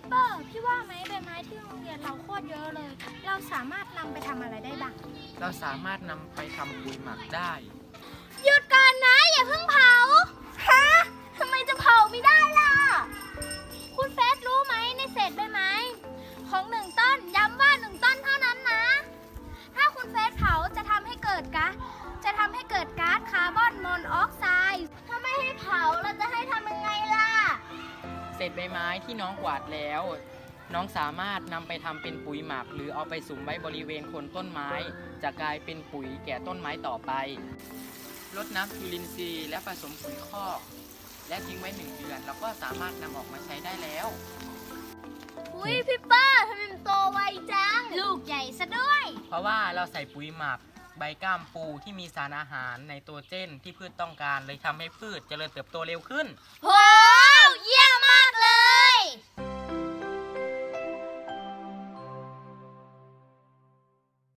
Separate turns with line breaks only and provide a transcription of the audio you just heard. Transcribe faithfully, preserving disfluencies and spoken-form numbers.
เปอร์พี่ว่าไหมใบไม้ที่โรงเรียนเราโคตรเยอะเลยเราสามารถนำไปทำอะไรได้บ้าง
เราสามารถนำไปทำปุ๋ยหมักได้
หยุดก่อนนะอย่าเพิ่งเผาฮะทำไมจะเผาไม่ได้ล่ะคุณเฟสรู้ไหมในเศษใบไม้ของหนึ่งต้นย้ำว่าหนึ่งต้นเท่านั้นนะถ้าคุณเฟสเผาจะทำให้เกิดก๊าซจะทำให้เกิดก๊าซคาร์บอนมอนอกไซด์ถ้าไม่ให้เผาเราจะให้ทำยังไงล่ะ
เศษใบไม้ที่น้องกวาดแล้ว น้องสามารถนำไปทำเป็นปุ๋ยหมักหรือเอาไปสุมไว้บริเวณโคนต้นไม้จะกลายเป็นปุ๋ยแก่ต้นไม้ต่อไปรดน้ำจุลินทรีย์และผสมปุ๋ยคอกและทิ้งไว้หนึ่งเดือนแล้วก็สามารถนำออกมาใช้ได้แล้ว
อุ้ยพี่ป้าทำไมมันโตไวจังลูกใหญ่ซะด้วย
เพราะว่าเราใส่ปุ๋ยหมักใบก้ามปูที่มีสารอาหารไนโตรเจนที่พืชต้องการเลยทำให้พืชเจริญเติบโตเร็วขึ้น
โห